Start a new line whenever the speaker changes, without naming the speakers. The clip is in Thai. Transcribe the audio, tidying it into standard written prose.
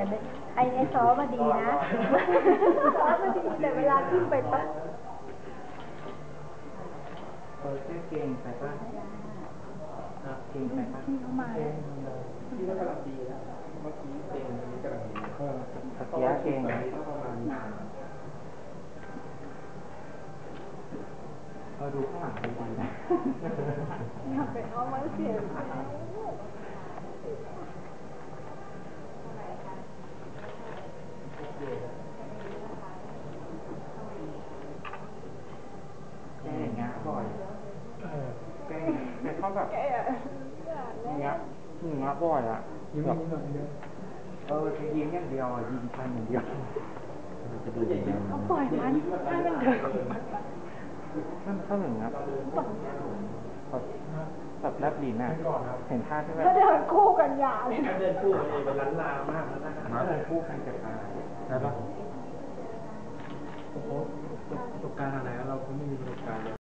แต่ไอซอมาดีนะซอมาดีแต่เวลาขึ้นไปปั๊บ
แค่เก่งไปป่ะเก่งไปป่ะ
พี่เขามาแล้ว
พี่ก็กำลังดีนะเมื่อกี้เก่งอันนี้กำลังดี
ตะเกียเก่ง
ต้องประมาณนี้
ดูข้างหลังดีๆนะ
อยากไปเอามาเสีย
แกอย่างเงี้ยบ่อยแกเขาแบบอย่างเงี้ยบ่อยอ่ะแบบยิ้มอย่างเดียวยิ้มพันอย่างเดียว
เขาปล่อยมันให้มันเดินของมัน
นั่นเขาเหมือนครับแบบแลบลิ้นอ่ะเห็นท่าที่แบบ
ก็เดินคู่กันยาวเลย
ถ้าเดินคู่กันเองมันล้านลามากแล้วนะ
มาเดินคู่กันจะตายได้ปะ
โอ้โหประสบการณ์อะไรเราไม่มีประสบการณ์เลย